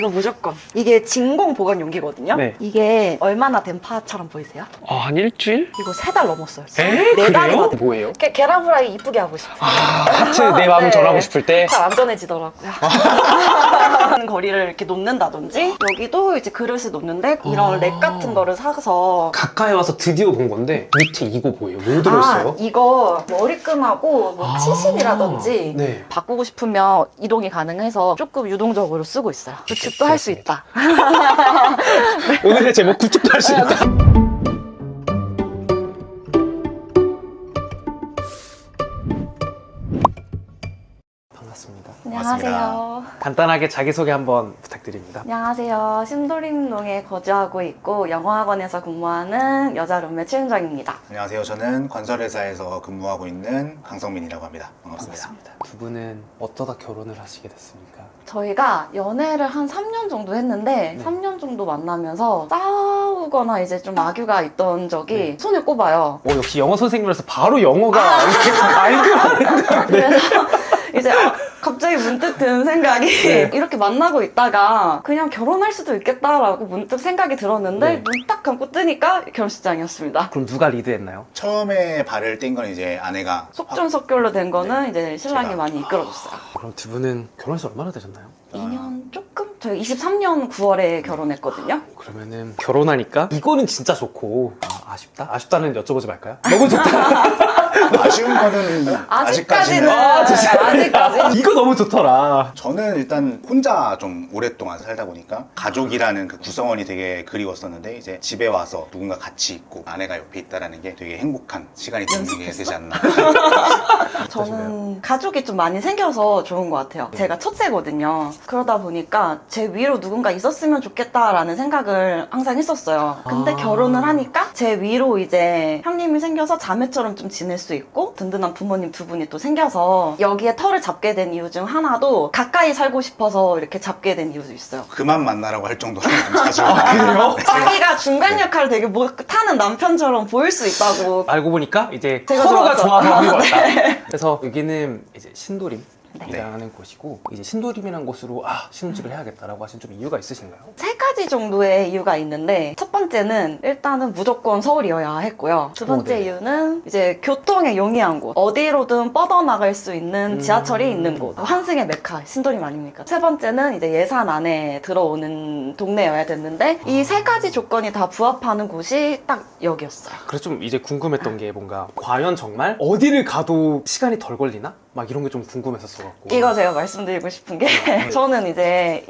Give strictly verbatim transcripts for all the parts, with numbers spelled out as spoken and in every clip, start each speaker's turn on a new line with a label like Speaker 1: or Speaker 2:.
Speaker 1: 이거 무조건. 이게 진공 보관 용기거든요.
Speaker 2: 네.
Speaker 1: 이게 얼마나 된 파처럼 보이세요?
Speaker 2: 아, 한 일주일?
Speaker 1: 이거 세 달 넘었어요.
Speaker 2: 에?
Speaker 1: 네 달이
Speaker 2: 그래요?
Speaker 1: 다
Speaker 2: 뭐예요?
Speaker 1: 게, 계란 후라이 이쁘게 하고 싶어요.
Speaker 2: 아, 하트 내 마음을
Speaker 1: 네.
Speaker 2: 전하고 싶을 때?
Speaker 1: 잘 안전해지더라고요. 하는 거리를 이렇게 놓는다든지 여기도 이제 그릇을 놓는데 이런
Speaker 2: 아.
Speaker 1: 렉 같은 거를 사서
Speaker 2: 가까이 와서 드디어 본 건데 밑에 이거 보여요? 뭐 들어있어요?
Speaker 1: 아, 이거 머리끈하고 뭐
Speaker 2: 아.
Speaker 1: 치실이라든지
Speaker 2: 네.
Speaker 1: 바꾸고 싶으면 이동이 가능해서 조금 유동적으로 쓰고 있어요. 구축도 할 수 있다.
Speaker 2: 오늘의 제목 구축도 할 수 있다. 반갑습니다.
Speaker 1: 안녕하세요.
Speaker 2: 간단하게 자기소개 한번 부탁드립니다.
Speaker 1: 안녕하세요. 신도림동에 거주하고 있고 영어학원에서 근무하는 여자 룸메 최윤정입니다.
Speaker 3: 안녕하세요. 저는 건설회사에서 근무하고 있는 강성민이라고 합니다. 반갑습니다.
Speaker 2: 반갑습니다. 두 분은 어쩌다 결혼을 하시게 됐습니까?
Speaker 1: 저희가 연애를 한 삼 년 정도 했는데
Speaker 2: 네.
Speaker 1: 삼 년 정도 만나면서 싸우거나 이제 좀 악유가 있던 적이
Speaker 2: 네.
Speaker 1: 손에 꼽아요.
Speaker 2: 어, 역시 영어 선생님이라서 바로 영어가 이렇게 알고
Speaker 1: 그래서 이제 아, 갑자기 문득 드는 생각이
Speaker 2: 네.
Speaker 1: 이렇게 만나고 있다가 그냥 결혼할 수도 있겠다라고 문득 생각이 들었는데
Speaker 2: 네.
Speaker 1: 눈 딱 감고 뜨니까 결혼식장이었습니다.
Speaker 2: 그럼 누가 리드했나요?
Speaker 3: 처음에 발을 뗀 건 이제 아내가
Speaker 1: 속전속결로 된 거는 이제 신랑이
Speaker 3: 제가.
Speaker 1: 많이 이끌어줬어요.
Speaker 2: 그럼 두 분은 결혼해서 얼마나 되셨나요?
Speaker 1: 이 년 조금? 저희 이십삼 년 구월에 결혼했거든요.
Speaker 2: 그러면은 결혼하니까 이거는 진짜 좋고 아, 아쉽다? 아쉽다는 여쭤보지 말까요? 너무 좋다.
Speaker 3: 아쉬운 거는
Speaker 1: 아직까지는
Speaker 3: 아직까지는
Speaker 2: 아, 진짜.
Speaker 1: 아직까지는
Speaker 2: 이거 너무 좋더라.
Speaker 3: 저는 일단 혼자 좀 오랫동안 살다 보니까 가족이라는 그 구성원이 되게 그리웠었는데 이제 집에 와서 누군가 같이 있고 아내가 옆에 있다라는 게 되게 행복한 시간이 되는 게 되지 않나.
Speaker 1: 저는 가족이 좀 많이 생겨서 좋은 것 같아요. 제가 첫째거든요. 그러다 보니까 제 위로 누군가 있었으면 좋겠다라는 생각을 항상 했었어요. 근데
Speaker 2: 아.
Speaker 1: 결혼을 하니까 제 위로 이제 형님이 생겨서 자매처럼 좀 지낼 수 있고 든든한 부모님 두 분이 또 생겨서 여기에 터를 잡게 된 이유 중 하나도 가까이 살고 싶어서 이렇게 잡게 된 이유도 있어요.
Speaker 3: 그만 만나라고 할 정도로 좀 자주.
Speaker 2: 아, 그래요?
Speaker 1: 자기가 중간 역할을 되게 못하는 남편처럼 보일 수 있다고.
Speaker 2: 알고 보니까 이제
Speaker 1: 제가
Speaker 2: 서로가
Speaker 1: 좋아서.
Speaker 2: 좋아서 하는 것 같다. 그래서 여기는 이제 신도림.
Speaker 1: 네.
Speaker 2: 이라는 곳이고 이제 신도림이라는 곳으로 아 신혼집을 해야겠다라고 하신 좀 이유가 있으신가요?
Speaker 1: 세 가지 정도의 이유가 있는데 첫 번째는 일단은 무조건 서울이어야 했고요. 두 번째
Speaker 2: 어, 네.
Speaker 1: 이유는 이제 교통에 용이한 곳, 어디로든 뻗어나갈 수 있는
Speaker 2: 음.
Speaker 1: 지하철이 있는 곳, 환승의 메카 신도림 아닙니까? 세 번째는 이제 예산 안에 들어오는 동네여야 됐는데 이 세 가지 조건이 다 부합하는 곳이 딱 여기였어요.
Speaker 2: 그래서 좀 이제 궁금했던 게 뭔가 과연 정말 어디를 가도 시간이 덜 걸리나? 막 이런 게 좀 궁금했었어갖고
Speaker 1: 이거 제가 말씀드리고 싶은 게 저는 이제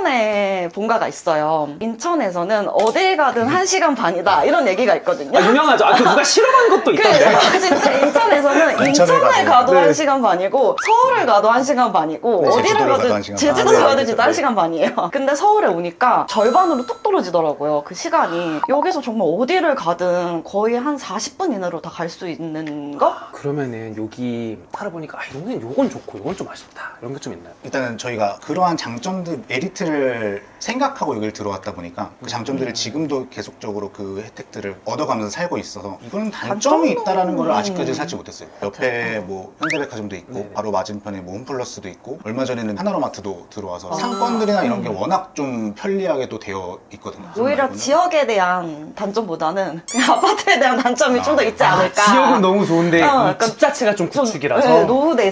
Speaker 1: 인천에 본가가 있어요. 인천에서는 어딜 가든 한 시간 반이다 이런 얘기가 있거든요.
Speaker 2: 아, 유명하죠. 아, 그 누가 실험한 것도
Speaker 1: 그
Speaker 2: 있던데.
Speaker 1: 진짜 인천에서는
Speaker 3: 인천에
Speaker 1: 인천에
Speaker 3: 가도.
Speaker 1: 가도
Speaker 2: 네.
Speaker 1: 한 시간 반이고 서울을 가도 한 시간 반이고
Speaker 3: 네,
Speaker 1: 어디를
Speaker 3: 제주도를
Speaker 1: 가도
Speaker 3: 가도 한 시간 반.
Speaker 1: 제주도
Speaker 3: 아, 네,
Speaker 1: 가도
Speaker 3: 알겠죠.
Speaker 1: 진짜 한
Speaker 3: 네.
Speaker 1: 시간 반이에요. 근데 서울에 오니까 절반으로 뚝 떨어지더라고요. 그 시간이. 여기서 정말 어디를 가든 거의 한 사십 분 이내로 다 갈 수 있는 거?
Speaker 2: 그러면은 여기 살아보니까 아, 이거는 요건 좋고 요건 좀 아쉽다 이런 게 좀 있나요?
Speaker 3: 일단은 저희가 그러한 장점들, 메리트를 생각하고 여기를 들어왔다 보니까 그 장점들을
Speaker 2: 음.
Speaker 3: 지금도 계속적으로 그 혜택들을 얻어가면서 살고 있어서 이거는 단점이
Speaker 1: 단점은-
Speaker 3: 있다라는 걸 아직까지
Speaker 1: 음.
Speaker 3: 찾지 못했어요. 옆에 뭐 현대백화점도 있고
Speaker 2: 네네.
Speaker 3: 바로 맞은편에 뭐 홈플러스도 있고 얼마 전에는 하나로마트도 들어와서
Speaker 1: 아.
Speaker 3: 상권들이나 이런 게
Speaker 1: 음.
Speaker 3: 워낙 좀 편리하게 또 되어 있거든요.
Speaker 1: 오히려
Speaker 3: 말고는.
Speaker 1: 지역에 대한 단점보다는 그냥 아파트에 대한 단점이 좀 더 있지
Speaker 3: 아,
Speaker 1: 않을까.
Speaker 2: 지역은 너무 좋은데
Speaker 1: 어,
Speaker 2: 이
Speaker 1: 약간
Speaker 2: 집 자체가 좀
Speaker 1: 좀,
Speaker 2: 구축이라서
Speaker 1: 네, 노후돼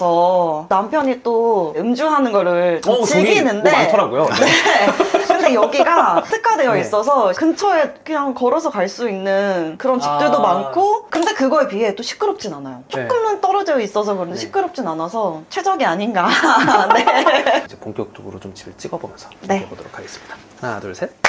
Speaker 1: 있어서 남편이 또 음주하는 거를 좀
Speaker 2: 어, 돈이
Speaker 1: 즐기는데
Speaker 2: 뭐 많더라고요. 네.
Speaker 1: 네. 근데 여기가 특화되어
Speaker 2: 네.
Speaker 1: 있어서 근처에 그냥 걸어서 갈 수 있는 그런 집들도
Speaker 2: 아.
Speaker 1: 많고 근데 그거에 비해 또 시끄럽진 않아요.
Speaker 2: 네.
Speaker 1: 조금은 떨어져 있어서 그런데
Speaker 2: 네.
Speaker 1: 시끄럽진 않아서 최적이 아닌가. 네.
Speaker 2: 이제 본격적으로 좀 집을 찍어보면서
Speaker 1: 네.
Speaker 2: 해보도록 하겠습니다. 하나, 둘, 셋.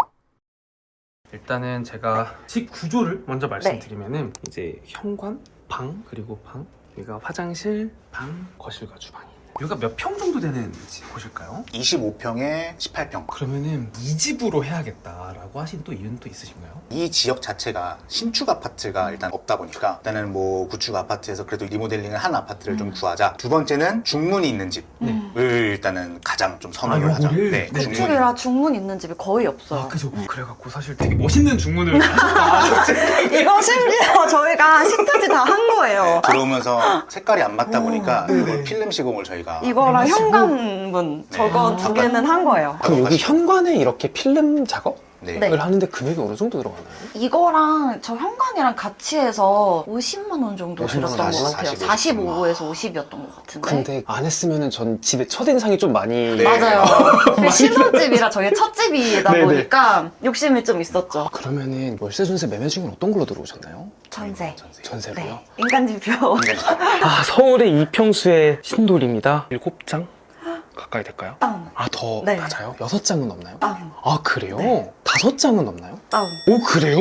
Speaker 2: 일단은 제가 집 구조를 먼저 말씀드리면은 이제 현관, 방, 그리고 방, 여기가 화장실, 방, 거실과 주방이 있는. 여기가 몇 평 정도 되는 집 곳일까요?
Speaker 3: 이십오 평에 십팔 평.
Speaker 2: 그러면은 이 집으로 해야겠다라고 하신 또 이유는 또 있으신가요?
Speaker 3: 이 지역 자체가 신축 아파트가 일단 없다 보니까 일단은 뭐 구축 아파트에서 그래도 리모델링을 한 아파트를 좀 구하자. 두 번째는 중문이 있는 집을
Speaker 2: 네.
Speaker 3: 일단은 가장 좀 선호를
Speaker 2: 아,
Speaker 3: 하자.
Speaker 2: 요거를?
Speaker 3: 네,
Speaker 2: 네.
Speaker 3: 중문이.
Speaker 1: 구축이라 중문 있는 집이 거의 없어요.
Speaker 2: 아, 그죠. 그래갖고 사실 되게 멋있는 중문을 하셨다.
Speaker 1: 이거 심지어 저희가 시트지 다 한 거예요.
Speaker 3: 들어오면서 색깔이 안 맞다 보니까
Speaker 2: 네.
Speaker 3: 이걸 필름 시공을 저희가 저희가
Speaker 1: 이거랑
Speaker 3: 해가지고
Speaker 1: 현관문
Speaker 3: 네.
Speaker 1: 저거
Speaker 2: 아.
Speaker 1: 두 개는 한 거예요.
Speaker 2: 그럼 여기 현관에 이렇게 필름 작업을
Speaker 3: 네.
Speaker 1: 네.
Speaker 2: 하는데 금액이 어느 정도 들어가나요?
Speaker 1: 이거랑 저 현관이랑 같이 해서 오십만 원 정도
Speaker 2: 오십만 원,
Speaker 1: 들었던 것
Speaker 3: 사십,
Speaker 1: 같아요.
Speaker 3: 사십,
Speaker 1: 사십오에서 오십이었던 것 같은데.
Speaker 2: 근데 안 했으면 전 집에 첫인상이 좀 많이
Speaker 3: 네.
Speaker 1: 맞아요. 그 신혼집이라 저희 첫 집이다
Speaker 2: 네네.
Speaker 1: 보니까 욕심이 좀 있었죠.
Speaker 2: 그러면은 월세 전세 매매 중에 어떤 걸로 들어오셨나요?
Speaker 1: 전세.
Speaker 3: 전세.
Speaker 2: 전세로요?
Speaker 1: 네. 인간지표.
Speaker 2: 아 서울의 이평수의 신돌입니다. 일곱 장 가까이 될까요?
Speaker 1: 다운.
Speaker 2: 아 더
Speaker 1: 네.
Speaker 2: 낮아요? 여섯 장은 없나요?
Speaker 1: 다운.
Speaker 2: 아 그래요?
Speaker 1: 네.
Speaker 2: 다섯 장은 없나요?
Speaker 1: 다운.
Speaker 2: 오 그래요?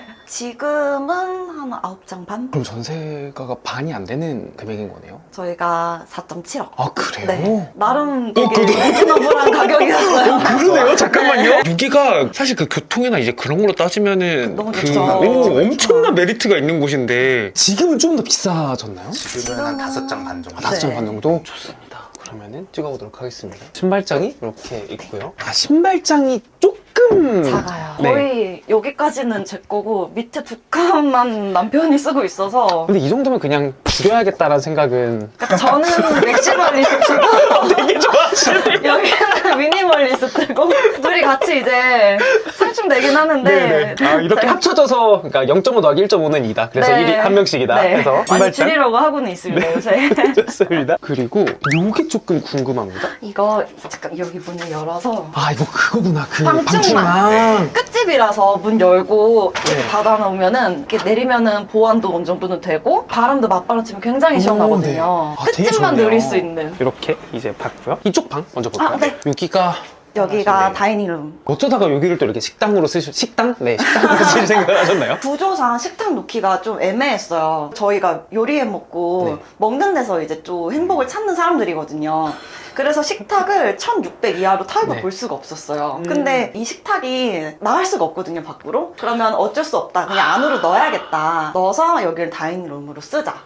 Speaker 1: 지금은 한 아홉 장 반?
Speaker 2: 그럼 전세가가 반이 안 되는 금액인 거네요?
Speaker 1: 저희가 사 점 칠억.
Speaker 2: 아 그래요?
Speaker 1: 네. 나름
Speaker 2: 어,
Speaker 1: 되게
Speaker 2: 그래도-
Speaker 1: 리즈너블한 가격이었어요.
Speaker 2: 그러네요. 잠깐만요. 여기가 사실 그 교통이나 이제 그런 걸로 따지면은
Speaker 1: 너무
Speaker 2: 그
Speaker 1: 좋죠.
Speaker 2: 오,
Speaker 1: 네.
Speaker 2: 엄청난 메리트가 있는 곳인데 지금은 좀 더 비싸졌나요?
Speaker 3: 지금은 한 다섯 장 반 정도.
Speaker 2: 아, 다섯 장
Speaker 1: 네.
Speaker 2: 반 정도? 좋습니다. 그러면은 찍어보도록 하겠습니다. 신발장이 이렇게 있고요. 아 신발장이 조금
Speaker 1: 작아요.
Speaker 2: 네.
Speaker 1: 거의 여기까지는 제 거고 밑에 두 칸만 남편이 쓰고 있어서
Speaker 2: 근데 이 정도면 그냥 줄여야겠다라는 생각은
Speaker 1: 그러니까 저는 맥시멀리스트고
Speaker 2: 되게 좋아하시네요.
Speaker 1: 여기는 미니멀리스트고 둘이 같이 이제 상충되긴 하는데
Speaker 2: 아, 이렇게
Speaker 1: 네.
Speaker 2: 합쳐져서 그러니까 영 점 오 더하기 일 점 오는 이다. 그래서
Speaker 1: 네.
Speaker 2: 일이 한 명씩이다.
Speaker 1: 네.
Speaker 2: 해서
Speaker 1: 많이
Speaker 2: 신발장
Speaker 1: 줄이려고 하고는 있습니다 요새.
Speaker 2: 좋습니다. 그리고 요게 조금 궁금합니다.
Speaker 1: 이거 잠깐 여기 문을 열어서
Speaker 2: 아 이거 그거구나. 그
Speaker 1: 방충망.
Speaker 2: 방충망.
Speaker 1: 끝집이라서 문 열고 이렇게
Speaker 2: 네.
Speaker 1: 닫아놓으면은 이렇게 내리면은 보완도 어느 정도는 되고 바람도 맞바람 치면 굉장히 시원하거든요.
Speaker 2: 네. 아, 되게
Speaker 1: 끝집만
Speaker 2: 좋네요.
Speaker 1: 누릴 수 있는.
Speaker 2: 이렇게 이제 봤고요. 이쪽 방 먼저 볼까요?
Speaker 1: 아, 네.
Speaker 2: 여기가
Speaker 1: 여기가
Speaker 3: 네.
Speaker 1: 다이닝룸.
Speaker 2: 어쩌다가 여기를 또 이렇게 식당으로 쓰실 식당? 네, 식당으로 쓰실 생각을 하셨나요?
Speaker 1: 구조상 식탁 놓기가 좀 애매했어요. 저희가 요리해 먹고
Speaker 2: 네.
Speaker 1: 먹는 데서 이제 또 행복을 찾는 사람들이거든요. 그래서 식탁을 천육백 이하로 타입을
Speaker 2: 네.
Speaker 1: 볼 수가 없었어요.
Speaker 2: 음.
Speaker 1: 근데 이 식탁이 나갈 수가 없거든요, 밖으로. 그러면 어쩔 수 없다. 그냥 안으로 넣어야겠다. 넣어서 여기를 다이닝룸으로 쓰자.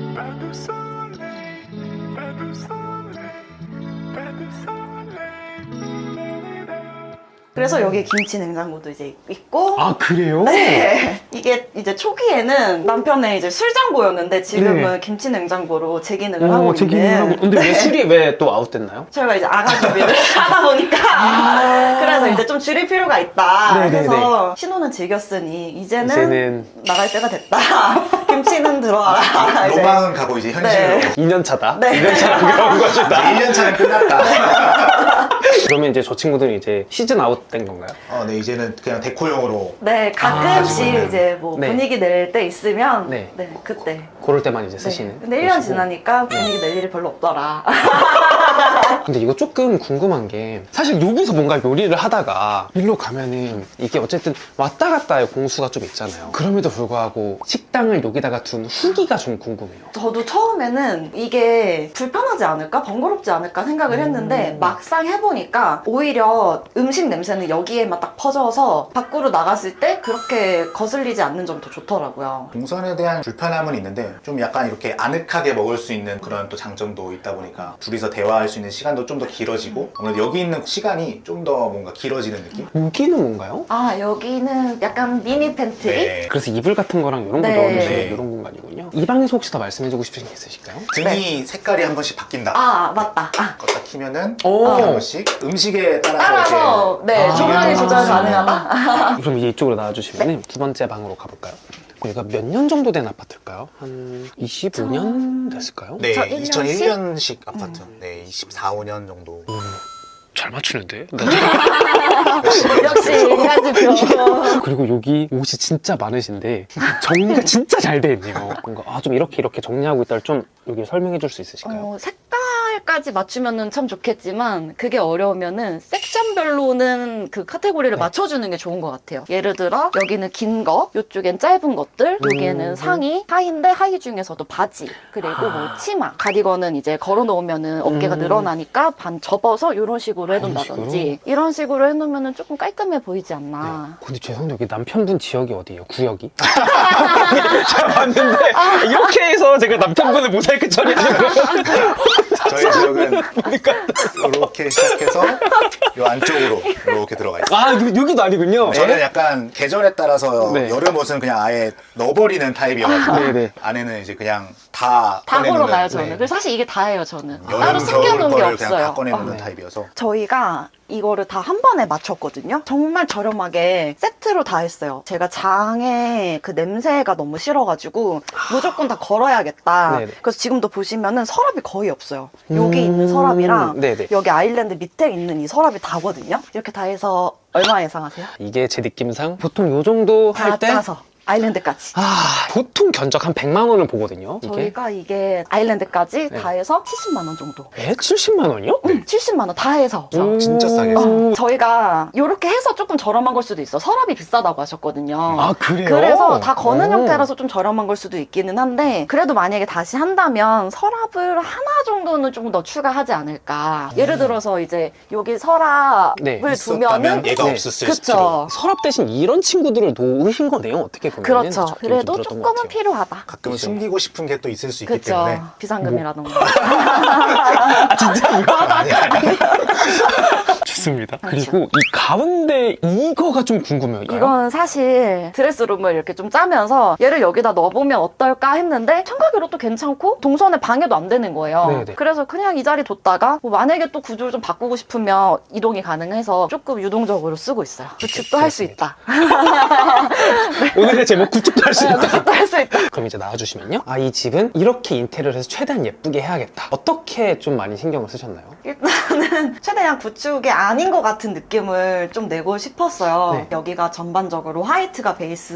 Speaker 1: 그래서 여기 김치 냉장고도 이제 있고.
Speaker 2: 아 그래요?
Speaker 1: 네. 이게 이제 초기에는 남편의 이제 술장고였는데 지금은
Speaker 2: 네.
Speaker 1: 김치 냉장고로 재기능을 하고
Speaker 2: 어, 제기는
Speaker 1: 있는.
Speaker 2: 하고. 근데 왜 술이 왜 또 아웃됐나요?
Speaker 1: 저희가 이제 아가 준비를 하다 보니까 그래서 이제 좀 줄일 필요가 있다.
Speaker 2: 아. 네네네.
Speaker 1: 그래서 신혼은 즐겼으니 이제는,
Speaker 2: 이제는
Speaker 1: 나갈 때가 됐다. 김치는 들어와라. 이제.
Speaker 3: 로망은 가고 이제 현실로.
Speaker 1: 네.
Speaker 2: 이 년 차다.
Speaker 1: 네.
Speaker 2: 이 년 차가 그런 것이다.
Speaker 3: 일 년 차는 끝났다.
Speaker 2: 그러면 이제 저 친구들은 이제 시즌 아웃된 건가요?
Speaker 3: 어, 네, 이제는 그냥 데코용으로.
Speaker 1: 네, 가끔씩
Speaker 3: 아,
Speaker 1: 이제 뭐
Speaker 2: 네.
Speaker 1: 분위기 낼 때 있으면
Speaker 2: 네.
Speaker 1: 네, 그때.
Speaker 2: 그럴 때만 이제
Speaker 1: 네.
Speaker 2: 쓰시는.
Speaker 1: 근데 일 년
Speaker 2: 것이고.
Speaker 1: 지나니까 분위기 낼 일이 별로 없더라.
Speaker 2: 근데 이거 조금 궁금한 게 사실 여기서 뭔가 요리를 하다가 일로 가면은 이게 어쨌든 왔다 갔다의 공수가 좀 있잖아요. 그럼에도 불구하고 식당을 여기다가 둔 후기가 좀 궁금해요.
Speaker 1: 저도 처음에는 이게 불편하지 않을까? 번거롭지 않을까 생각을 했는데
Speaker 2: 음.
Speaker 1: 막상 해보니까 오히려 음식 냄새는 여기에만 딱 퍼져서 밖으로 나갔을 때 그렇게 거슬리지 않는 점이 더 좋더라고요.
Speaker 3: 동선에 대한 불편함은 있는데 좀 약간 이렇게 아늑하게 먹을 수 있는 그런 또 장점도 있다 보니까 둘이서 대화할 수 있는 시간도 좀 더 길어지고 아무래도 여기 있는 시간이 좀 더 뭔가 길어지는 느낌?
Speaker 2: 여기는 뭔가요?
Speaker 1: 아, 여기는 약간 미니 팬트리?
Speaker 3: 네.
Speaker 2: 그래서 이불 같은 거랑 이런 거
Speaker 1: 네.
Speaker 2: 넣어두시는
Speaker 3: 네.
Speaker 2: 이런 공간이군요. 이 방에서 혹시 더 말씀해주고 싶으신 게 있으실까요?
Speaker 3: 등이 색깔이 한 번씩 바뀐다.
Speaker 1: 아, 맞다. 아,
Speaker 3: 껐다 키면은
Speaker 2: 오.
Speaker 3: 이렇게 한 번씩 음식에 따라서,
Speaker 1: 따라서 네,
Speaker 2: 아.
Speaker 1: 조명이 조절
Speaker 3: 아.
Speaker 1: 가능하다.
Speaker 2: 그럼 이제 이쪽으로 나와주시면 두 번째 방으로 가볼까요? 여기가 몇 년 정도 된 아파트일까요? 한 이십오 년 됐을까요?
Speaker 3: 네,
Speaker 1: 저 일 년씩?
Speaker 3: 이천일 년식 아파트. 네, 이십사, 오 년 정도.
Speaker 2: 음, 잘 맞추는데?
Speaker 1: 역시 인간지표.
Speaker 2: 그리고 여기 옷이 진짜 많으신데 정리가 진짜 잘 돼 있네요. 뭔가 아, 좀 이렇게 이렇게 정리하고 있다를 좀 여기 설명해 줄 수 있으실까요?
Speaker 1: 어, 색깔까지 맞추면 참 좋겠지만 그게 어려우면은 섹션별로는 그 카테고리를
Speaker 2: 네.
Speaker 1: 맞춰주는 게 좋은 것 같아요. 예를 들어 여기는 긴 거, 이쪽엔 짧은 것들, 여기에는
Speaker 2: 음.
Speaker 1: 상의, 하의인데 하의 중에서도 바지, 그리고 뭐 치마, 가디건은 이제 걸어놓으면은 어깨가
Speaker 2: 음.
Speaker 1: 늘어나니까 반 접어서 이런 식으로 해둔다든지
Speaker 2: 식으로?
Speaker 1: 이런 식으로 해놓으면은 조금 깔끔해 보이지 않나.
Speaker 2: 근데 죄송한데 여기 남편분 지역이 어디예요? 구역이? 잘 봤는데 이렇게 해서 제가 남편분을 모자이크 처리하려고
Speaker 3: 저희 지역은 이렇게 시작해서 요 안쪽으로 이렇게 들어가 있어요.
Speaker 2: 아 여- 여기도 아니군요.
Speaker 3: 저는 약간 계절에 따라서
Speaker 2: 네.
Speaker 3: 여름 옷은 그냥 아예 넣어버리는 타입이어가지고
Speaker 2: 네네.
Speaker 3: 안에는 이제 그냥 다
Speaker 1: 다
Speaker 3: 꺼내놓는,
Speaker 1: 걸어놔요 저는.
Speaker 3: 네.
Speaker 1: 그래서 사실 이게 다예요 저는.
Speaker 3: 여름,
Speaker 1: 따로 숨겨놓은
Speaker 3: 겨울
Speaker 1: 게
Speaker 3: 거를 그냥 다
Speaker 1: 없어요.
Speaker 3: 꺼내놓는
Speaker 1: 어.
Speaker 3: 타입이어서
Speaker 1: 저희가 이거를 다 한 번에 맞췄거든요. 정말 저렴하게 세트로 다 했어요. 제가 장에 그 냄새가 너무 싫어가지고 무조건 다 걸어야겠다.
Speaker 2: 네네.
Speaker 1: 그래서 지금도 보시면은 서랍이 거의 없어요. 여기
Speaker 2: 음,
Speaker 1: 있는 서랍이랑
Speaker 2: 네네.
Speaker 1: 여기 아일랜드 밑에 있는 이 서랍이 다거든요. 이렇게 다 해서 얼마 예상하세요?
Speaker 2: 이게 제 느낌상 보통 요 정도
Speaker 1: 다
Speaker 2: 할 때
Speaker 1: 짜서 아일랜드까지.
Speaker 2: 아, 보통 견적 한 백만 원을 보거든요. 이게.
Speaker 1: 저희가 이게 아일랜드까지
Speaker 2: 네.
Speaker 1: 다 해서 칠십만 원 정도.
Speaker 2: 에? 칠십만 원이요?
Speaker 1: 응, 칠십만 원 다 해서.
Speaker 2: 오.
Speaker 3: 진짜 싸게
Speaker 2: 오.
Speaker 1: 저희가 이렇게 해서 조금 저렴한 걸 수도 있어. 서랍이 비싸다고 하셨거든요.
Speaker 2: 아, 그래요?
Speaker 1: 그래서 다 거는
Speaker 2: 오.
Speaker 1: 형태라서 좀 저렴한 걸 수도 있기는 한데 그래도 만약에 다시 한다면 서랍을 하나 정도는 좀 더 추가하지 않을까. 예를 들어서 이제 여기 서랍을
Speaker 2: 네,
Speaker 3: 있었다면
Speaker 1: 두면은
Speaker 3: 얘가
Speaker 2: 네.
Speaker 3: 없었을
Speaker 1: 그쵸.
Speaker 3: 수도.
Speaker 2: 서랍 대신 이런 친구들을 놓으신 거네요, 어떻게 보면.
Speaker 1: 그렇죠. 그래도 조금은 필요하다.
Speaker 3: 가끔은
Speaker 2: 그치.
Speaker 3: 숨기고 싶은 게 또 있을 수 있기
Speaker 1: 그렇죠.
Speaker 3: 때문에
Speaker 1: 비상금이라던가.
Speaker 2: 아, 진짜 이거?
Speaker 3: 아니 아니
Speaker 2: 좋습니다.
Speaker 1: 그렇죠.
Speaker 2: 그리고 이 가운데 이거가 좀 궁금해요.
Speaker 1: 이건 사실 드레스룸을 이렇게 좀 짜면서 얘를 여기다 넣어보면 어떨까 했는데 청각으로 또 괜찮고 동선에 방해도 안 되는 거예요.
Speaker 2: 네네.
Speaker 1: 그래서 그냥 이 자리 뒀다가 뭐 만약에 또 구조를 좀 바꾸고 싶으면 이동이 가능해서 조금 유동적으로 쓰고 있어요. 구축도 할 수 있다.
Speaker 2: 오늘의 제목 구축도 할 수 있다.
Speaker 1: 구축도 할 수 있다.
Speaker 2: 그럼 이제 나와주시면요. 아, 이 집은 이렇게 인테리어를 해서 최대한 예쁘게 해야겠다. 어떻게 좀 많이 신경을 쓰셨나요?
Speaker 1: 일단은 최대한 구축이 아닌 것 같은 느낌을 좀 내고 싶었어요.
Speaker 2: 네.
Speaker 1: 여기가 전반적으로 화이트가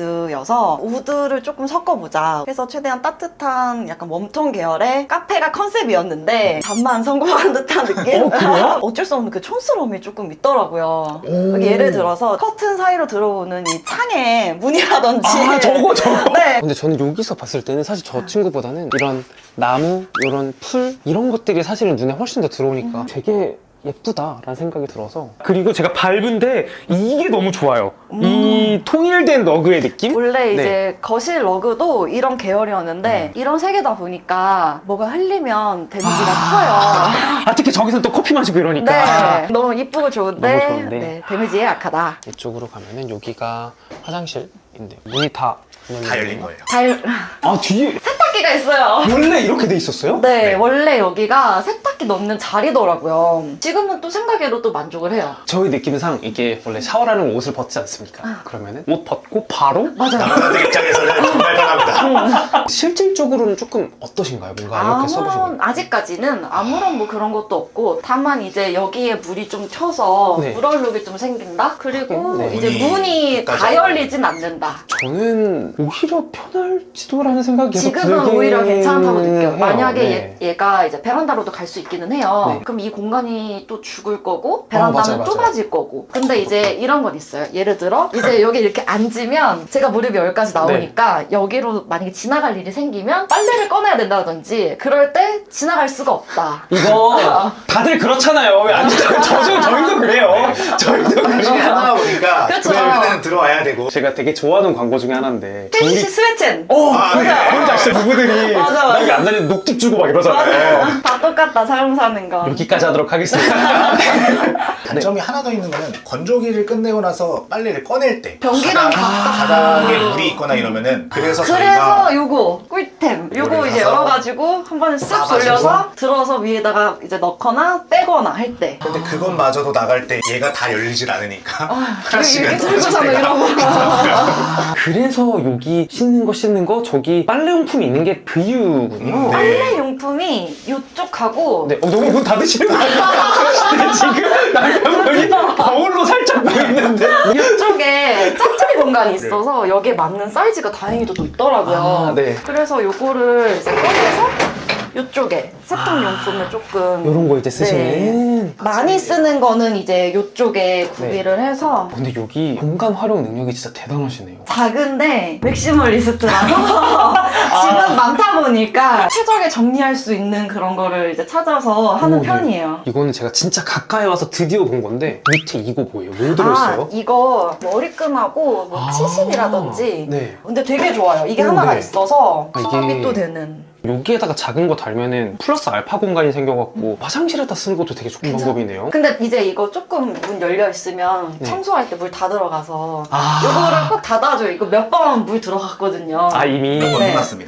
Speaker 1: 베이스여서 우드를 조금 섞어보자 해서 최대한 따뜻한 약간 웜톤 계열의 카페가 컨셉이었는데 잠만 성공한 듯한 느낌?
Speaker 2: 어, 그래요?
Speaker 1: 어쩔 수 없는 그 촌스러움이 조금 있더라고요.
Speaker 2: 오.
Speaker 1: 예를 들어서 커튼 사이로 들어오는 이 창에 문이라든지
Speaker 2: 아, 저거, 저거.
Speaker 1: 네.
Speaker 2: 근데 저는 여기서 봤을 때는 사실 저 친구보다는 이런 나무, 이런 풀, 이런 것들이 사실은 눈에 훨씬 더 들어오니까
Speaker 1: 음.
Speaker 2: 되게 예쁘다라는 생각이 들어서. 그리고 제가 밟은데 이게 너무 좋아요.
Speaker 1: 음.
Speaker 2: 이 통일된 러그의 느낌?
Speaker 1: 원래 이제
Speaker 2: 네.
Speaker 1: 거실 러그도 이런 계열이었는데 이런 세 개다 보니까 뭐가 흘리면 데미지가 커요.
Speaker 2: 아, 특히 저기서 또 커피 마시고 이러니까.
Speaker 1: 네, 너무 이쁘고 좋은데,
Speaker 2: 너무 좋은데.
Speaker 1: 네, 데미지에 약하다.
Speaker 2: 이쪽으로 가면은 여기가 화장실인데 문이 다
Speaker 3: 다 열린 거예요.
Speaker 1: 달
Speaker 2: 아, 뒤에
Speaker 1: 세탁기가 있어요.
Speaker 2: 원래 이렇게 돼 있었어요?
Speaker 1: 네,
Speaker 3: 네.
Speaker 1: 원래 여기가 세탁기 넣는 자리더라고요. 지금은 또 생각해도 또 만족을 해요.
Speaker 2: 저희 느낌상 이게 원래 샤워라는 옷을 벗지 않습니까? 그러면은 옷 벗고 바로
Speaker 1: 맞아요.
Speaker 3: 남자들 입장에서는 정말 편합니다.
Speaker 2: 실질적으로는 조금 어떠신가요? 뭔가 이렇게 써보시고.
Speaker 1: 아무런 아직까지는 아무런 뭐 그런 것도 없고 다만 이제 여기에 물이 좀 튀어서
Speaker 2: 네.
Speaker 1: 물얼룩이 좀 생긴다. 그리고
Speaker 2: 네.
Speaker 1: 이제
Speaker 3: 문이
Speaker 1: 문이 다
Speaker 3: 끝까지
Speaker 1: 열리진 않는다.
Speaker 2: 저는 오히려 편할지도라는 생각이 계속
Speaker 1: 지금은
Speaker 2: 들긴
Speaker 1: 오히려 괜찮다고 느껴요.
Speaker 2: 해요.
Speaker 1: 만약에
Speaker 2: 네.
Speaker 1: 얘, 얘가 이제 베란다로도 갈 수 있기는 해요.
Speaker 2: 네.
Speaker 1: 그럼 이 공간이 또 죽을 거고
Speaker 2: 맞아요,
Speaker 1: 베란다는
Speaker 2: 맞아요.
Speaker 1: 좁아질 거고. 근데 이제 이런 건 있어요. 예를 들어 이제 여기 이렇게 앉으면 제가 무릎이 여기까지 나오니까
Speaker 2: 네.
Speaker 1: 여기로 만약에 지나갈 일이 생기면 빨래를 꺼내야 된다든지 그럴 때 지나갈 수가 없다.
Speaker 2: 이거 다들 그렇잖아요. 왜 안 저, 저, 저희도 그래요. 저희도
Speaker 3: 당신이
Speaker 2: 그래요.
Speaker 3: 하나 오니까
Speaker 1: 그쵸.
Speaker 3: 그러면은 들어와야 되고.
Speaker 2: 제가 되게 좋아하는 광고 중에 하나인데
Speaker 1: 펜시 스웨첸.
Speaker 2: 어,
Speaker 3: 아, 네.
Speaker 2: 맞아. 뭔지 아시죠? 부부들이
Speaker 1: 맞아, 맞아.
Speaker 2: 여기 안 다니는 녹즙 주고 막 이러잖아요.
Speaker 1: 맞아. 다 똑같다 사용 사는 거.
Speaker 2: 여기까지 하도록 하겠습니다.
Speaker 3: 단점이 하나 더 있는 거는 건조기를 끝내고 나서 빨래를 꺼낼 때
Speaker 1: 변기랑
Speaker 3: 바닥,
Speaker 1: 가깝고.
Speaker 3: 바닥에 물이 있거나 이러면은 그래서
Speaker 1: 그래서
Speaker 3: 저희가
Speaker 1: 요거 꿀템 요거
Speaker 3: 이거를
Speaker 1: 이제
Speaker 3: 사서
Speaker 1: 열어가지고 한 번에 쓱
Speaker 3: 싸가지고.
Speaker 1: 돌려서 들어서 위에다가 이제 넣거나 빼거나 할 때.
Speaker 3: 근데 그것마저도 나갈 때 얘가 다 열리질 않으니까
Speaker 1: 아,
Speaker 3: 하나씩은
Speaker 1: 이렇게
Speaker 3: 떨어질
Speaker 1: 들고서는
Speaker 3: 때가
Speaker 1: 이러고.
Speaker 2: 그래서 여기 씻는 거 씻는 거 저기 빨래용품이 있는 게 그 이유군요.
Speaker 3: 음, 네.
Speaker 1: 빨래 용품이 요쪽하고
Speaker 2: 네, 어, 너무 문 닫으시는 거 아니에요? 지금 남편분이 거울로 살짝 보이는데.
Speaker 1: 요쪽에 짝짝이 공간이 있어서 여기에 맞는 사이즈가 다행히도 또 있더라고요.
Speaker 2: 아, 네.
Speaker 1: 그래서 요거를 이제 꺼내서 요쪽에 세탁용품을 조금
Speaker 2: 이런 거 이제 쓰시는.
Speaker 1: 많이 쓰는 거는 이제 요쪽에 구비를 해서
Speaker 2: 근데 여기 공간 활용 능력이 진짜 대단하시네요.
Speaker 1: 작은데 맥시멀리스트라서 집은 많다 보니까 최적에 정리할 수 있는 그런 거를 이제 찾아서 하는
Speaker 2: 오, 네.
Speaker 1: 편이에요.
Speaker 2: 이거는 제가 진짜 가까이 와서 드디어 본 건데 밑에 이거 보여요. 뭐 들어있어요?
Speaker 1: 아, 이거 머리끈하고 뭐
Speaker 2: 아,
Speaker 1: 치실이라든지
Speaker 2: 네.
Speaker 1: 근데 되게 좋아요. 이게
Speaker 2: 오,
Speaker 1: 하나가
Speaker 2: 네.
Speaker 1: 있어서
Speaker 2: 아, 이게-
Speaker 1: 수납이 또 되는
Speaker 2: 여기에다가 작은 거 달면은 플러스 알파 공간이 생겨갖고 화장실에다 쓰는 것도 되게 좋은 방법이네요.
Speaker 1: 근데 이제 이거 조금 문 열려 있으면
Speaker 2: 네.
Speaker 1: 청소할 때 물 다 들어가서
Speaker 2: 아.
Speaker 1: 이거를 꼭 닫아줘요. 이거 몇 번 물 들어갔거든요.
Speaker 2: 아 이미
Speaker 3: 이런 거
Speaker 1: 네.
Speaker 3: 끝났습니다.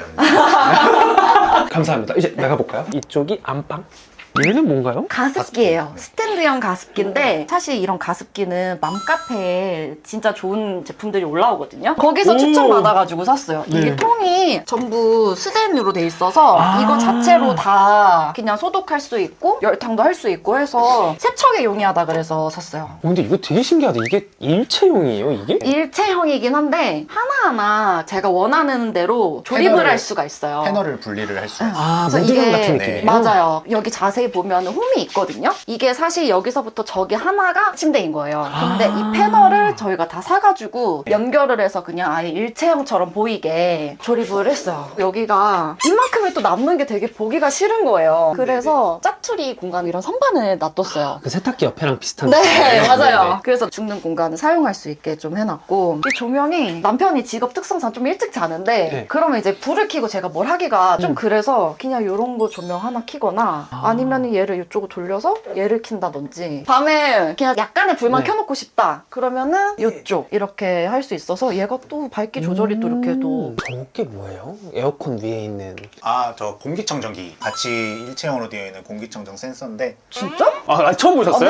Speaker 2: 감사합니다. 이제 나가볼까요? 이쪽이 안방. 얘는 뭔가요?
Speaker 1: 가습기예요.
Speaker 3: 가습기.
Speaker 1: 스탠드형 가습기인데 사실 이런 가습기는 맘카페에 진짜 좋은 제품들이 올라오거든요. 거기서
Speaker 2: 오.
Speaker 1: 추천받아가지고 샀어요.
Speaker 2: 네.
Speaker 1: 이게 통이 전부 스텐으로 돼 있어서
Speaker 2: 아.
Speaker 1: 이거 자체로 다 그냥 소독할 수 있고 열탕도 할 수 있고 해서 세척에 용이하다 그래서 샀어요.
Speaker 2: 어, 근데 이거 되게 신기하다. 이게 일체형이에요, 이게?
Speaker 1: 일체형이긴 한데 하나하나 제가 원하는 대로 조립을
Speaker 3: 패널을-
Speaker 1: 할 수가 있어요.
Speaker 3: 패널을 분리를 할 수 있어요.
Speaker 2: 아,
Speaker 1: 그래서
Speaker 2: 모듈
Speaker 1: 이게-
Speaker 2: 같은
Speaker 3: 네.
Speaker 2: 느낌이에요?
Speaker 1: 맞아요. 여기 자세히 보면 홈이 있거든요. 이게 사실 여기서부터 저기 하나가 침대인 거예요. 근데
Speaker 2: 아.
Speaker 1: 이 패널을 저희가 다 사가지고 연결을 해서 그냥 아예 일체형처럼 보이게 조립을 했어요. 여기가 이만큼이 또 남는 게 되게 보기가 싫은 거예요. 그래서 짜투리 공간 이런 선반을 놔뒀어요.
Speaker 2: 그 세탁기 옆에랑 비슷한
Speaker 1: 네,
Speaker 2: 느낌이에요?
Speaker 1: 맞아요.
Speaker 2: 네네.
Speaker 1: 그래서 죽는 공간을 사용할 수 있게 좀 해놨고 이 조명이 남편이 직업 특성상 좀 일찍 자는데
Speaker 2: 네.
Speaker 1: 그러면 이제 불을 켜고 제가 뭘 하기가 좀
Speaker 2: 음.
Speaker 1: 그래서 그냥 이런 거 조명 하나 켜거나
Speaker 2: 아.
Speaker 1: 아니면 얘를 이쪽으로 돌려서 얘를 킨다든지 밤에 그냥 약간의 불만
Speaker 2: 네.
Speaker 1: 켜놓고 싶다 그러면은 이쪽 이렇게 할 수 있어서 얘가 또 밝기 조절이 또 이렇게 또
Speaker 2: 음, 저게 뭐예요? 에어컨 위에 있는.
Speaker 3: 아, 저 공기청정기. 같이 일체형으로 되어 있는 공기청정 센서인데
Speaker 1: 진짜?
Speaker 2: 아, 처음 보셨어요?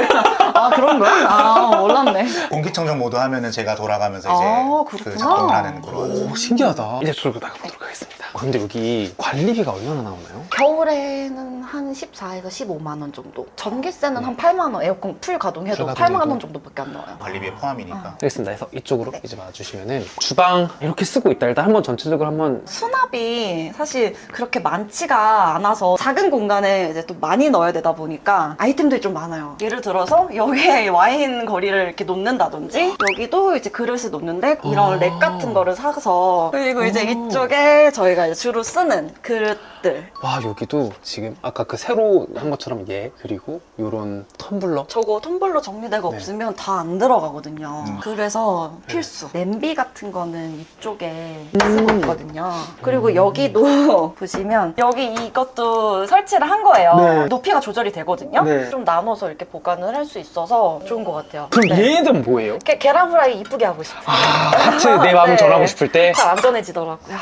Speaker 1: 아 그런 거야? 아 몰랐네.
Speaker 3: 공기청정 모드 하면은 제가 돌아가면서 이제
Speaker 1: 아,
Speaker 3: 그
Speaker 1: 그렇구나.
Speaker 3: 작동을 하는 그런.
Speaker 2: 오, 신기하다. 이제 들고 나가보도록 하겠습니다. 아, 근데 여기 관리비가 얼마나 나오나요?
Speaker 1: 겨울에는 한 십사에서 십오만 원 정도. 전기세는 한 팔만 원. 에어컨 풀 가동해도
Speaker 2: 풀 가동해도?
Speaker 1: 팔만 원 정도밖에 안 나와요.
Speaker 3: 관리비에 포함이니까.
Speaker 2: 알겠습니다. 그래서 이쪽으로
Speaker 1: 네.
Speaker 2: 이제 와주시면은 주방 이렇게 쓰고 있다. 일단 한번 전체적으로 한번
Speaker 1: 수납이 사실 그렇게 많지가 않아서 작은 공간에 이제 또 많이 넣어야 되다 보니까 아이템들이 좀 많아요. 예를 들어서 여기에 와인 거리를 이렇게 놓는다든지 여기도 이제 그릇을 놓는데 이런
Speaker 2: 아.
Speaker 1: 렉 같은 거를 사서 그리고 이제
Speaker 2: 오.
Speaker 1: 이쪽에 저희가 이제 주로 쓰는 그릇들
Speaker 2: 와 여기도 지금 아까 그 새로 한 것처럼 얘 그리고 요런 텀블러
Speaker 1: 저거 텀블러 정리대가
Speaker 2: 네.
Speaker 1: 없으면 다 안 들어가거든요.
Speaker 3: 음.
Speaker 1: 그래서
Speaker 2: 네.
Speaker 1: 필수. 냄비 같은 거는 이쪽에
Speaker 2: 음.
Speaker 1: 쓰고 있거든요. 그리고
Speaker 2: 음.
Speaker 1: 여기도 보시면 여기 이것도 설치를 한 거예요.
Speaker 2: 네.
Speaker 1: 높이가 조절이 되거든요.
Speaker 2: 네.
Speaker 1: 좀 나눠서 이렇게 보관을 할 수 있어서 좋은 것 같아요.
Speaker 2: 그럼
Speaker 1: 네.
Speaker 2: 얘는 뭐예요?
Speaker 1: 게- 계란 프라이 이쁘게 하고 싶어요.
Speaker 2: 아 하트 내 마음을
Speaker 1: 네.
Speaker 2: 전하고 싶을 때
Speaker 1: 잘 안전해지더라고요.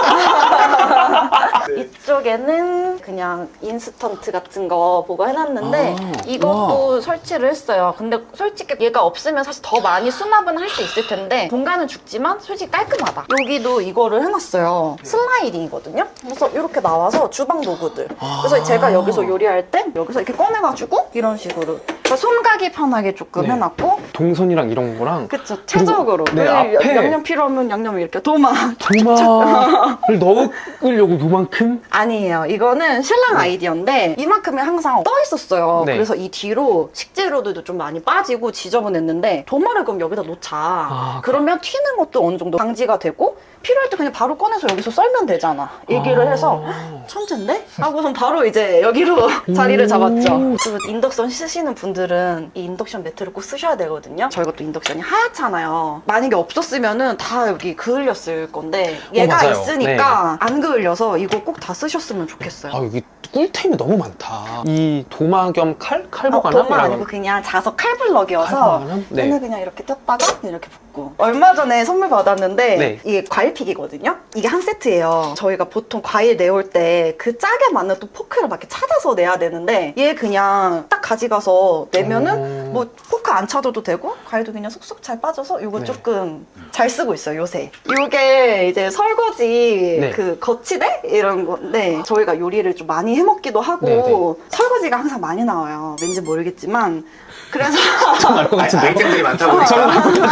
Speaker 1: 이쪽에는 그냥 인스턴트 같은 거 보고 해놨는데
Speaker 2: 아,
Speaker 1: 이것도 설치를 했어요. 근데 솔직히 얘가 없으면 사실 더 많이 수납은 할 수 있을 텐데 공간은 죽지만 솔직히 깔끔하다. 여기도 이거를 해놨어요. 슬라이딩이거든요. 그래서 이렇게 나와서 주방 도구들. 그래서
Speaker 2: 아.
Speaker 1: 제가 여기서 요리할 때 여기서 이렇게 꺼내가지고 이런 식으로 그러니까 손가기 편하게 조금
Speaker 2: 네.
Speaker 1: 해놨고
Speaker 2: 동선이랑 이런 거랑
Speaker 1: 그쵸 최적으로
Speaker 2: 네,
Speaker 1: 그리고
Speaker 2: 앞에
Speaker 1: 양념 필요하면 양념 이렇게 도마
Speaker 2: 도마를 넣으려고 요만큼
Speaker 1: 아니에요. 이거는 신랑 아이디어인데 이만큼이 항상 떠 있었어요.
Speaker 2: 네.
Speaker 1: 그래서 이 뒤로 식재료들도 좀 많이 빠지고 지저분했는데 도마를 그럼 여기다 놓자.
Speaker 2: 아,
Speaker 1: 그러면 튀는 것도 어느 정도 방지가 되고 필요할 때 그냥 바로 꺼내서 여기서 썰면 되잖아. 얘기를
Speaker 2: 아.
Speaker 1: 해서 천재인데? 하고선 바로 이제 여기로 자리를 잡았죠.
Speaker 2: 오.
Speaker 1: 그리고 인덕션 쓰시는 분들은 이 인덕션 매트를 꼭 쓰셔야 되거든요. 저희가 또 인덕션이 하얗잖아요. 만약에 없었으면은 다 여기 그을렸을 건데 얘가
Speaker 2: 맞아요.
Speaker 1: 있으니까 안 그을려서 이거 꼭 다 쓰셨으면 좋겠어요.
Speaker 2: 아 여기 꿀템이 너무 많다. 이 도마 겸 칼?
Speaker 1: 어,
Speaker 2: 칼보가나?
Speaker 1: 도마 아니고 그냥 자석 칼블럭이어서
Speaker 2: 칼보가나? 네.
Speaker 1: 얘는 그냥 이렇게 꼈다가 이렇게 붓고 얼마 전에 선물 받았는데
Speaker 2: 네.
Speaker 1: 이게 과일픽이거든요. 이게 한 세트예요. 저희가 보통 과일 내올 때 그 짝에 맞는 또 포크를 막 이렇게 찾아서 내야 되는데 얘 그냥 딱 가져가서 내면은
Speaker 2: 오.
Speaker 1: 뭐 포크 안 찾아도 되고 과일도 그냥 쏙쏙 잘 빠져서 이거
Speaker 2: 네.
Speaker 1: 조금 잘 쓰고 있어요 요새. 이게 이제 설거지
Speaker 2: 네.
Speaker 1: 그 거치대 이런 건데 저희가 요리를 좀 많이 해먹기도 하고
Speaker 2: 네, 네.
Speaker 1: 설거지가 항상 많이 나와요. 왠지 모르겠지만 그래서
Speaker 2: 전알것
Speaker 3: 아이,
Speaker 2: 같은데.
Speaker 3: 아이템들이 많다 보니까.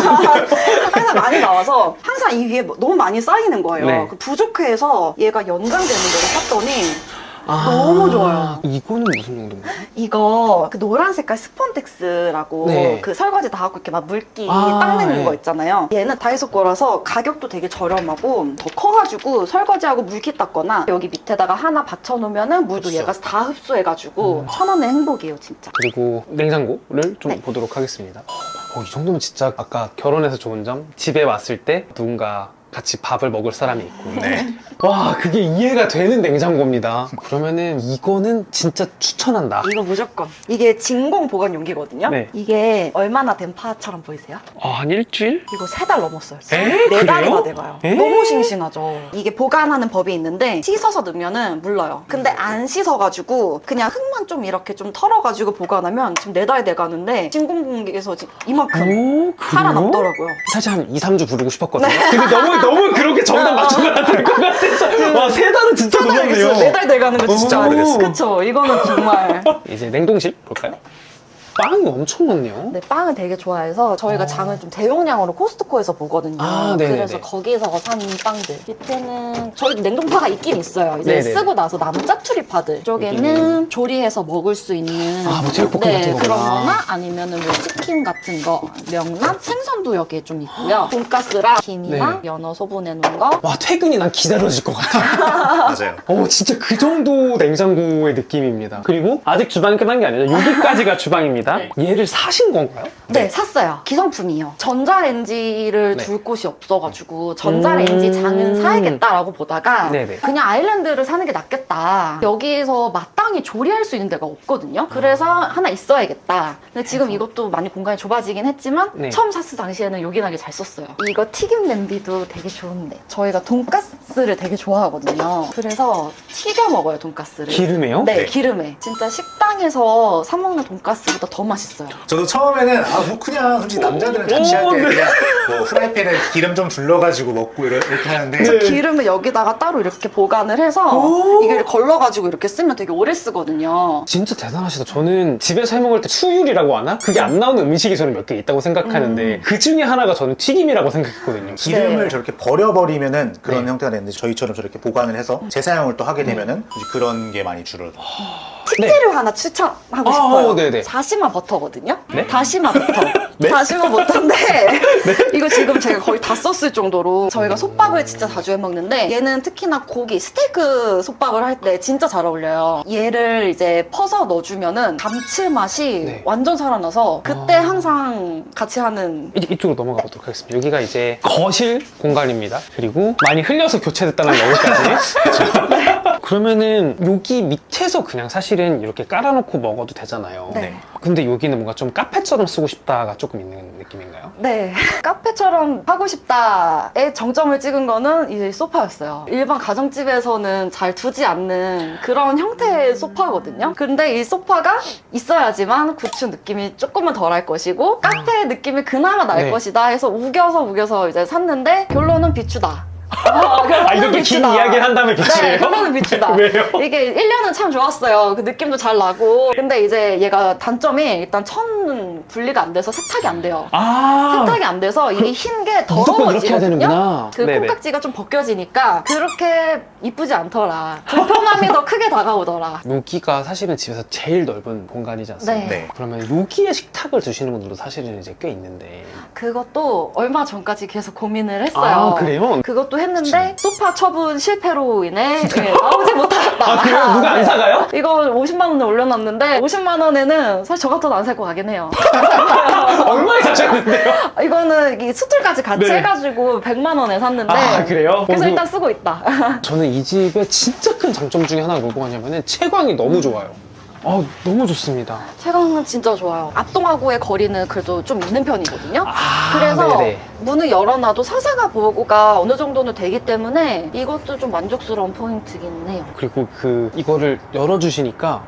Speaker 1: 항상 많이 나와서 항상 이 위에 뭐 너무 많이 쌓이는 거예요.
Speaker 2: 네.
Speaker 1: 그 부족해서 얘가 연장되는 거를 샀더니
Speaker 2: 아,
Speaker 1: 너무 좋아요.
Speaker 2: 이거는 무슨 정도인가요?
Speaker 1: 이거 그 노란 색깔 스폰덱스라고
Speaker 2: 네.
Speaker 1: 그 설거지 다 하고 이렇게 막 물기
Speaker 2: 아,
Speaker 1: 닦는
Speaker 2: 네.
Speaker 1: 거 있잖아요. 얘는 다이소 거라서 가격도 되게 저렴하고 더 커가지고 설거지하고 물기 닦거나 여기 밑에다가 하나 받쳐놓으면은 물도
Speaker 3: 흡수.
Speaker 1: 얘가 다 흡수해가지고
Speaker 2: 음.
Speaker 1: 천 원의 행복이에요 진짜.
Speaker 2: 그리고 냉장고를 좀
Speaker 1: 네.
Speaker 2: 보도록 하겠습니다. 어, 이 정도면 진짜 아까 결혼해서 좋은 점 집에 왔을 때 누군가 같이 밥을 먹을 사람이 있고
Speaker 3: 네.
Speaker 2: 와, 그게 이해가 되는 냉장고입니다. 그러면은 이거는 진짜 추천한다.
Speaker 1: 이거 무조건. 이게 진공 보관 용기거든요.
Speaker 2: 네.
Speaker 1: 이게 얼마나 된 파처럼 보이세요?
Speaker 2: 아, 한 일주일?
Speaker 1: 이거 세 달 넘었어요. 진짜.
Speaker 2: 에?
Speaker 1: 네 달이나
Speaker 2: 그래요?
Speaker 1: 돼가요.
Speaker 2: 에?
Speaker 1: 너무 싱싱하죠. 이게 보관하는 법이 있는데 씻어서 넣으면은 물러요. 근데 안 씻어가지고 그냥 흙만 좀 이렇게 좀 털어가지고 보관하면 지금 네 달 돼가는데 진공 공기에서 지금 이만큼
Speaker 2: 오, 그래요?
Speaker 1: 살아남더라고요.
Speaker 2: 사실 한 이, 삼 주 부르고 싶었거든요. 근데 너무, 너무 그렇게 정답 맞춰놔야 될 것 같아서. 와, 세 달은 진짜 놀랐네요.
Speaker 1: 네 달 돼가는 거 진짜
Speaker 2: 오.
Speaker 1: 오래됐어. 그쵸. 이거는 정말.
Speaker 2: 이제 냉동실 볼까요? 빵이 엄청 많네요.
Speaker 1: 네, 빵을 되게 좋아해서 저희가
Speaker 2: 아.
Speaker 1: 장을 좀 대용량으로 코스트코에서 보거든요.
Speaker 2: 아, 네네네.
Speaker 1: 그래서 거기서 산 빵들. 밑에는 저희도 냉동파가 있긴 있어요. 이제
Speaker 2: 네네.
Speaker 1: 쓰고 나서 남은 짜투리파들. 이쪽에는 조리해서 먹을 수 있는
Speaker 2: 아, 뭐 제육볶음
Speaker 1: 네,
Speaker 2: 같은 거구나.
Speaker 1: 그런 거나 아니면은 뭐 치킨 같은 거, 명란, 생선도 여기에 좀 있고요. 돈가스랑 김이랑
Speaker 2: 네.
Speaker 1: 연어 소분해 놓은 거.
Speaker 2: 와, 퇴근이 난 기다려질 것 같아.
Speaker 3: 맞아요.
Speaker 2: 어, 진짜 그 정도 냉장고의 느낌입니다. 그리고 아직 주방이 끝난 게 아니라 여기까지가 주방입니다.
Speaker 1: 네.
Speaker 2: 얘를 사신 건가요?
Speaker 1: 네, 샀어요. 기성품이요. 전자레인지를
Speaker 2: 네.
Speaker 1: 둘 곳이 없어가지고 전자레인지
Speaker 2: 음.
Speaker 1: 장은 사야겠다라고 보다가
Speaker 2: 네네.
Speaker 1: 그냥 아일랜드를 사는 게 낫겠다. 여기에서 마땅히 조리할 수 있는 데가 없거든요. 그래서 하나 있어야겠다. 근데 지금 이것도 많이 공간이 좁아지긴 했지만
Speaker 2: 네.
Speaker 1: 처음 샀을 당시에는 요긴하게 잘 썼어요. 이거 튀김 냄비도 되게 좋은데 저희가 돈가스를 되게 좋아하거든요. 그래서 튀겨 먹어요, 돈가스를.
Speaker 2: 기름에요?
Speaker 1: 네,
Speaker 3: 네.
Speaker 1: 기름에. 진짜 식당에서 사 먹는 돈가스보다 더 맛있어요.
Speaker 3: 저도 처음에는 아 뭐 그냥 솔직히 남자들은
Speaker 2: 오,
Speaker 3: 자취할 때
Speaker 2: 네.
Speaker 3: 그냥 뭐 프라이팬에 기름 좀 둘러가지고 먹고 이러- 이렇게 하는데
Speaker 2: 네.
Speaker 1: 기름을 여기다가 따로 이렇게 보관을 해서
Speaker 2: 오.
Speaker 1: 이게 걸러가지고 이렇게 쓰면 되게 오래 쓰거든요.
Speaker 2: 진짜 대단하시다. 저는 집에서 해 먹을 때 수율이라고 하나? 그게 안 나오는 음식이 저는 몇 개 있다고 생각하는데
Speaker 1: 음.
Speaker 2: 그 중에 하나가 저는 튀김이라고 생각했거든요.
Speaker 3: 기름을
Speaker 1: 네.
Speaker 3: 저렇게 버려버리면은 그런
Speaker 2: 네.
Speaker 3: 형태가 되는데 저희처럼 저렇게 보관을 해서 재사용을 또 하게 되면은 이제 그런 게 많이 줄어요.
Speaker 1: 식재료 하나 추천하고
Speaker 2: 아,
Speaker 1: 싶어요.
Speaker 2: 어, 네네.
Speaker 1: 다시마 버터거든요.
Speaker 2: 네?
Speaker 1: 다시마 버터.
Speaker 2: 네?
Speaker 1: 다시마 버터인데 이거 지금 제가 거의 다 썼을 정도로 저희가 솥밥을 진짜 자주 해 먹는데 얘는 특히나 고기 스테이크 솥밥을 할 때 진짜 잘 어울려요. 얘를 이제 퍼서 넣어주면은 감칠맛이
Speaker 2: 네.
Speaker 1: 완전 살아나서 그때
Speaker 2: 아.
Speaker 1: 항상 같이 하는
Speaker 2: 이제 이쪽으로 넘어가 보도록 하겠습니다. 여기가 이제 거실 공간입니다. 그리고 많이 흘려서 교체됐다는 여기까지. 그러면은 여기 밑에서 그냥 사실은 이렇게 깔아놓고 먹어도 되잖아요.
Speaker 1: 네.
Speaker 2: 근데 여기는 뭔가 좀 카페처럼 쓰고 싶다가 조금 있는 느낌인가요?
Speaker 1: 네. 카페처럼 하고 싶다에 정점을 찍은 거는 이제 소파였어요. 일반 가정집에서는 잘 두지 않는 그런 형태의 소파거든요. 근데 이 소파가 있어야지만 구축 느낌이 조금은 덜 할 것이고 카페 느낌이 그나마 날
Speaker 2: 네.
Speaker 1: 것이다 해서 우겨서 우겨서 이제 샀는데 결론은 비추다. 어, 결론은
Speaker 2: 아, 이렇게 긴
Speaker 1: 비추다.
Speaker 2: 이야기를 한 다음에 비추예요?
Speaker 1: 네, 결론은 비추다.
Speaker 2: 왜요?
Speaker 1: 이게 일 년은 참 좋았어요. 그 느낌도 잘 나고. 근데 이제 얘가 단점이 일단 천 분리가 안 돼서 세탁이 안 돼요.
Speaker 2: 아,
Speaker 1: 세탁이 안 돼서 이게 흰 게
Speaker 2: 무조건 이렇게 해야
Speaker 1: 더러워지거든요.
Speaker 2: 되는구나.
Speaker 1: 그
Speaker 2: 네네.
Speaker 1: 콩깍지가 좀 벗겨지니까 그렇게 이쁘지 않더라. 불편함이 더 크게 다가오더라.
Speaker 2: 여기가 사실은 집에서 제일 넓은 공간이지 않습니까?
Speaker 1: 네.
Speaker 3: 네.
Speaker 2: 그러면 여기에 식탁을 두시는 분들도 사실은 이제 꽤 있는데.
Speaker 1: 그것도 얼마 전까지 계속 고민을 했어요.
Speaker 2: 아, 그래요?
Speaker 1: 그것도 했는데 소파 처분 실패로 인해 예, 나오지 못하겠다.
Speaker 2: 아, 그래요? 누가 안 사가요?
Speaker 1: 이거 오십만 원에 올려놨는데 오십만 원에는 사실 저 같아도 안 살 것 같긴 해요.
Speaker 2: 얼마에 사셨는데요?
Speaker 1: 이거는 이 수틀까지 같이
Speaker 2: 네.
Speaker 1: 해가지고 백만 원에 샀는데
Speaker 2: 아, 그래요?
Speaker 1: 그래서
Speaker 2: 어,
Speaker 1: 일단 쓰고 있다.
Speaker 2: 저는 이 집의 진짜 큰 장점 중에 하나가 뭐냐면은 채광이 너무 좋아요. 아, 너무 좋습니다.
Speaker 1: 채광은 진짜 좋아요. 앞동하고의 거리는 그래도 좀 있는 편이거든요.
Speaker 2: 아,
Speaker 1: 그래서
Speaker 2: 네네.
Speaker 1: 문을 열어놔도 사사가 보호가 어느 정도는 되기 때문에 이것도 좀 만족스러운 포인트긴 해요.
Speaker 2: 그리고 그 이거를 열어주시니까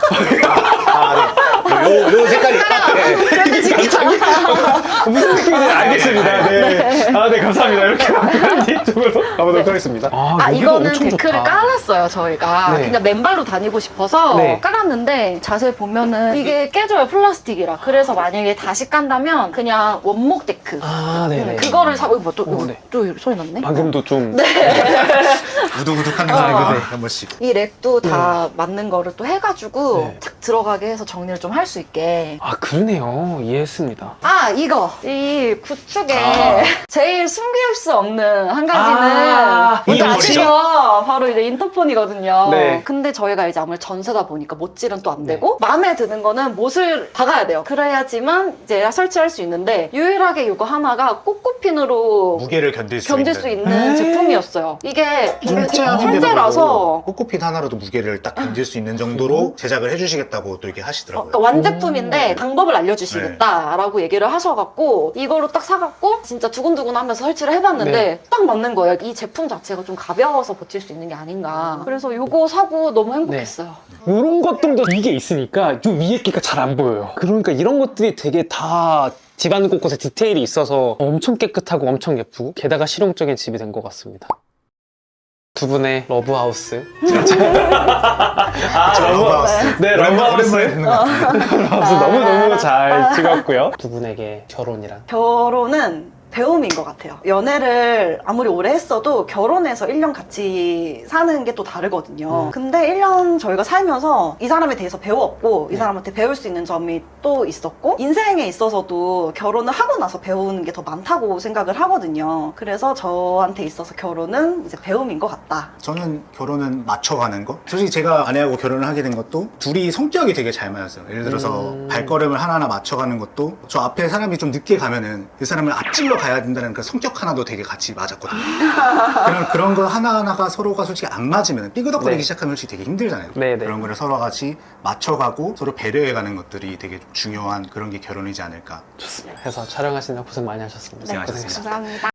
Speaker 3: 아, 네. 요, 요 색깔이 딱, 네.
Speaker 1: 그런데 진짜
Speaker 2: 무슨 느낌인지 알겠습니다. 네. 아, 네, 감사합니다. 이렇게 뒤쪽으로 가보도록 하겠습니다. 아,
Speaker 1: 아,
Speaker 2: 여기가
Speaker 1: 이거는
Speaker 2: 엄청
Speaker 1: 데크를
Speaker 2: 좋다.
Speaker 1: 깔았어요, 저희가.
Speaker 2: 네.
Speaker 1: 그냥 맨발로 다니고 싶어서
Speaker 2: 네.
Speaker 1: 깔았는데 자세히 보면은 이게 깨져요, 플라스틱이라. 그래서 만약에 다시 깐다면 그냥 원목 데크.
Speaker 2: 아, 네네.
Speaker 1: 음, 그거를 사고, 뭐 또,
Speaker 2: 오, 네.
Speaker 1: 또 소리 났네?
Speaker 2: 방금도 좀.
Speaker 3: 우두우둑한
Speaker 1: 어.
Speaker 3: 소리가 네, 한 번씩.
Speaker 1: 이 렉도 다 맞는 거를 또 해가지고
Speaker 2: 네.
Speaker 1: 탁 들어가게 해서 정리를 좀 할 수 있게.
Speaker 2: 아, 그러네요. 이해했습니다.
Speaker 1: 아, 이거 이 구축에
Speaker 3: 아.
Speaker 1: 제일 숨길 수 없는 한 가지는
Speaker 2: 아,
Speaker 1: 뭔지
Speaker 3: 인터폰이죠.
Speaker 1: 아시죠? 바로 이제 인터폰이거든요.
Speaker 2: 네.
Speaker 1: 근데 저희가 이제 아무래도 전세다 보니까 못질은 또 안 되고 마음에 드는 거는 못을 박아야 돼요. 그래야지만 이제 설치할 수 있는데 유일하게 이거 하나가 꼬꼬핀으로
Speaker 3: 무게를 견딜 수
Speaker 1: 견딜
Speaker 3: 있는.
Speaker 1: 수 있는
Speaker 2: 에이.
Speaker 1: 제품이었어요. 이게
Speaker 3: 통째하는데도
Speaker 1: 천재라서
Speaker 3: 꼬꼬핀 하나로도 무게를 딱 견딜 수 있는 정도로 제작을 해주시겠다고 또 이렇게 하시더라고요.
Speaker 1: 그러니까 완제품인데 방법을 알려주시겠다라고 얘기를 하셔갖고 이거를 딱 사갖고 진짜 두근두근 하면서 설치를 해봤는데
Speaker 2: 네.
Speaker 1: 딱 맞는 거예요. 이 제품 자체가 좀 가벼워서 버틸 수 있는 게 아닌가. 그래서 이거 사고 너무 행복했어요.
Speaker 2: 이런 것들도 이게 있으니까 요 위에 끼가 잘 안 보여요. 그러니까 이런 것들이 되게 다 집안 곳곳에 디테일이 있어서 엄청 깨끗하고 엄청 예쁘고 게다가 실용적인 집이 된 것 같습니다. 두 분의 러브하우스.
Speaker 3: 아, 러브하우스.
Speaker 2: 네,
Speaker 3: 오랜만에
Speaker 2: 러브하우스.
Speaker 3: 오랜만에 듣는 것 같은데.
Speaker 2: 러브하우스 너무너무 잘 찍었고요. 두 분에게 결혼이란?
Speaker 1: 결혼은 배움인 것 같아요. 연애를 아무리 오래 했어도 결혼해서 일 년 같이 사는 게 또 다르거든요.
Speaker 2: 음.
Speaker 1: 근데 일 년 저희가 살면서 이 사람에 대해서 배웠고 이 사람한테 배울 수 있는 점이 또 있었고 인생에 있어서도 결혼을 하고 나서 배우는 게 더 많다고 생각을 하거든요. 그래서 저한테 있어서 결혼은 이제 배움인 것 같다.
Speaker 3: 저는 결혼은 맞춰가는 거. 솔직히 제가 아내하고 결혼을 하게 된 것도 둘이 성격이 되게 잘 맞았어요. 예를 들어서
Speaker 2: 음.
Speaker 3: 발걸음을 하나하나 맞춰가는 것도 저 앞에 사람이 좀 늦게 가면은 그 사람을 앞질러 가야 된다는 그 성격 하나도 되게 같이 맞았거든요. 그런, 그런 거 하나하나가 서로가 솔직히 안 맞으면 삐그덕거리기
Speaker 2: 네.
Speaker 3: 시작하면 솔직히 되게 힘들잖아요.
Speaker 2: 네, 네.
Speaker 3: 그런 거를 서로 같이 맞춰가고 서로 배려해가는 것들이 되게 중요한 그런 게 결혼이지 않을까.
Speaker 2: 좋습니다. 해서 촬영하시느라 고생 많이 하셨습니다.
Speaker 3: 고생하셨습니다.
Speaker 1: 감사합니다.